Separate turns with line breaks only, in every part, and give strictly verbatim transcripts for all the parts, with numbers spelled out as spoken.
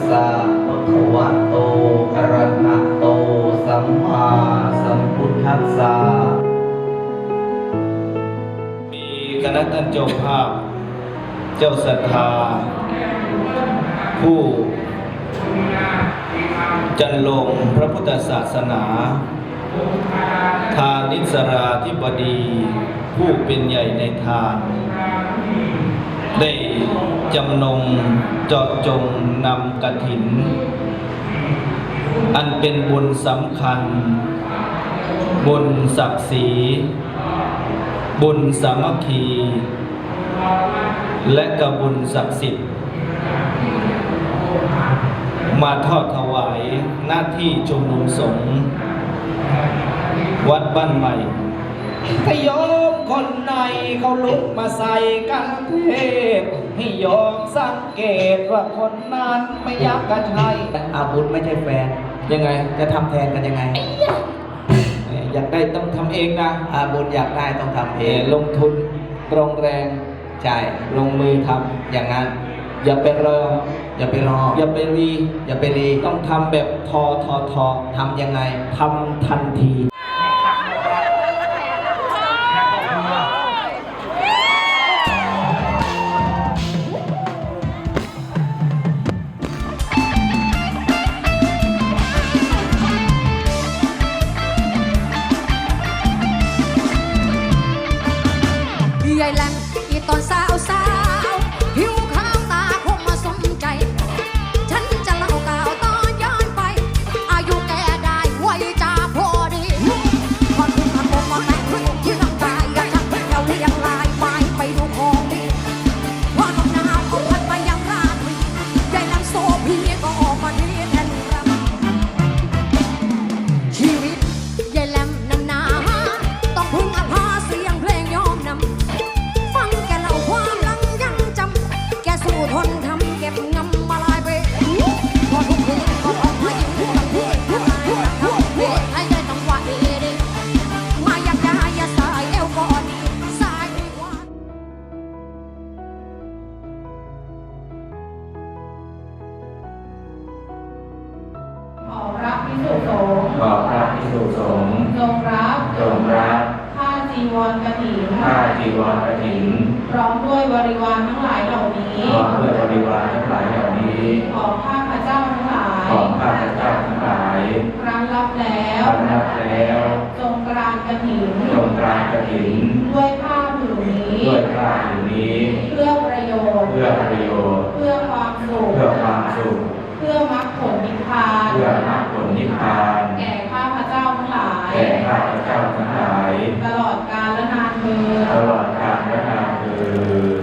สะภะคะวะโตอะระหะโตสัมมาสัมพุทธัสสะมีคณะท่านเจ้าภาพเจ้าศรัทธาผู้จันลงพระพุทธศาสนาทานิสราธิบดีผู้เป็นใหญ่ในทานได้จำนงเจาะจงนำกฐินอันเป็นบุญสำคัญบุญศักดิ์ศรีบุญสามัคคีและกบุญศักดิ์สิทธิ์มาทอดถวายหน้าที่ชุมนุมสงฆ์วัดบ้านใหม่ถ้าโยมคนไหนเขาลุกมาใส่กันเทพให้โยมสังเกตว่าคนนั้นไม่อยากกันใช่อาบุญไม่ใช่แฟนยังไงจะทำแทนกันยังไงอยากได้ต้องทำเองนะอาบุญอยากได้ต้องทำเองลงทุนตรงแรงใช่ลงมือทำอย่างนั้นอย่าไปรออย่าไปรออย่าไปรีอย่าไปรีต้องทำแบบทอทอทอทำยังไงทำทันที
ใหญ่แหลมอีตอนสาวสาวหิวข้าวตาคงมาสนใจฉันจะเล่าก่าวตอนย้อนไปอายุแกได้ไว้จ่าพอดีพอถึงมาคงมาแต่งขึ้นยืนกายอยากจะเป็นเราเรียงลายไปไปดูของดีพอลมหนาวก็พัดไปยังราตรีใหญ่แหลมโซพีก็ออกมาดีแทนรำชีวิตใหญ่แหลมนั้นนาต้องพึ่งอาภาเสียงเพลงยอมนำสู้ทนทำเก็บงำมาลายไปพอทุกคืนก็ออกมายิ้มกับเพื่อนทำไมทำเพื่อให้ได้ต้องว่าดีดีมาอยากได้อย่าสายเอวก่อนสายดีกว่า
ขอพระภิกษุสงฆ์
ขอพระภิกษุสงฆ์
จงรับ
จงรับ
ผ้าจีวรกฐิน
ผ้าจีวรกฐิน
พร้อมด้วยบริวารทั้งหลายเหล่านี้
พร้อมด้วยบริวารทั้งหลายเหล่านี้
ของข้าพเจ้าทั้งหลาย
ของข้าพเจ้าทั้งหลาย
ครั้งรับแล้ว
ครั้งรับแล้ว
จงกรานกฐิน
จงกรานกฐิน
ด้วยผ้าผืนนี้
ด้วยผ้าผืนนี้
เพื่อประโยชน์
เพื่อประโยชน์
เพื่อความสุข
เพื่อความสุข
เพื่อมรรคผลนิพพาน
เพื่อมรรคผลนิพพาน
แก่ข้าพเจ้าทั้งหลาย
แก่ข้าพเจ้าทั้งหลาย
ตลอดกาลและนานเทอญ
ตลอดกาลและนานเทอญ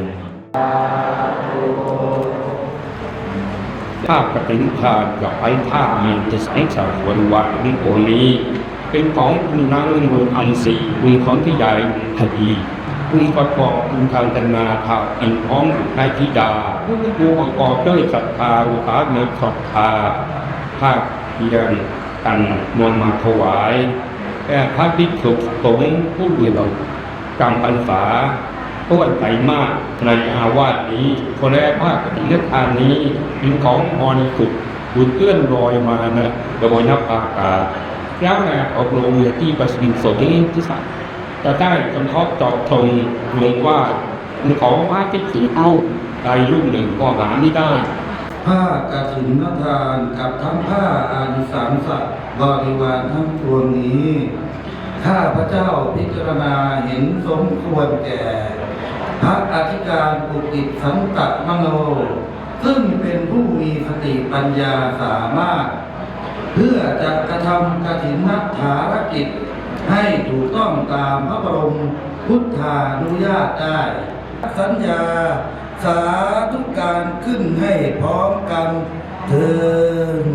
ภาพกฐินทานกับไอ้ภาพมันจะใช้สาววันวัดนี้โอนี้เป็นของคุณนางเมืองอันสีคุณของที่ใหญ่คดีคุณประกอบคุณทางตนาทาอินท้องนายธิดาคุณประกอบด้วยศรัทธาอุปาเนศรัทธาภาคเพียงกันนวลมาถวายแก่พระภิกษุสงฆ์ผู้เดียวกรรมพรรษาต้นใจมากในอาวาสนี้คนแรกภาคปฏิทานนี้เป็นของพรสุดบุญเอื้อนลอยมานะกระบวนนับอากาศแล้วแหละออกลงที่ประสิทธิ์สดที่ที่สัตว์จะได้กำทบจอบทงลงว่าของพระที่สีเอาใดรุ่งหนึ่งก็หาไม่ได้
ผ้ากฐินทานกับทั้งผ้าอานิสงส์บริวารทั้งปวงนี้ข้าพระเจ้าพิจารณาเห็นสมควรแก่พระอธิการปุกิจสังกัดมโนซึ่งเป็นผู้มีสติปัญญาสามารถเพื่อจะกระทำกฐินนักฐารกิจให้ถูกต้องตามพระบรมพุทธานุญาตได้สัญญาสาธุการขึ้นให้พร้อมกันเถิด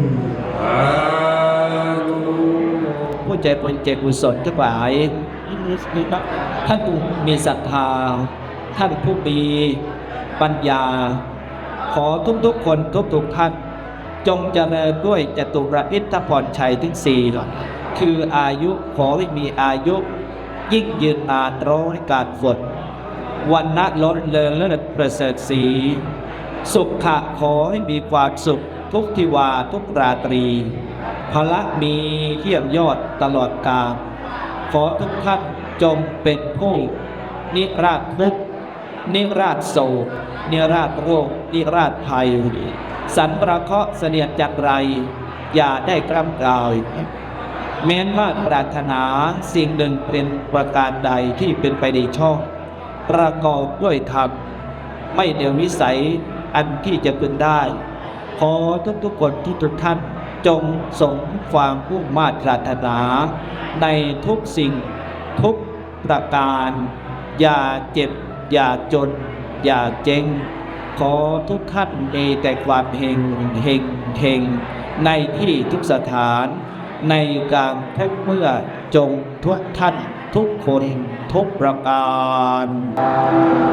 ผู้ใจบุญใจกุศลทั้งหลายท่านผู้มีศรัทธาท่านผู้มีปัญญาขอทุกๆคนทุกๆท่านจงเจริญด้วยจตุรอิทธพรชัยทั้งสี่คืออายุขอให้มีอายุยิ่งยืนนานร้อยกาลฝนวันณะล้นเลิงและประเสริฐศรีสุขะขอให้มีความสุขทุกทิวาทุกราตรีพละมีเทียมยอดตลอดกาลขอทุกท่านจงเป็นผู้นิราชทุกข์นิราชโศกนิราชโรคนิราชภัยสันประเคราะห์เสนียดจักไรอย่าได้กล้ำกลายแม้นว่าปรารถนาสิ่งหนึ่งเป็นประการใดที่เป็นไปในชอบประกอบด้วยธรรมไม่เดียววิสัยอันที่จะเป็นได้ขอทุกๆคนที่ทุกท่านจงสมความมุ่งมา่ปรารถนาในทุกสิ่งทุกประการอย่าเจ็บอย่าจนอย่าเจ๊งขอทุกท่านมีแต่ความเฮงเฮงเฮงในที่ทุกสถานในการทุกเมื่อจงทุกท่านทุกคนทุกประการ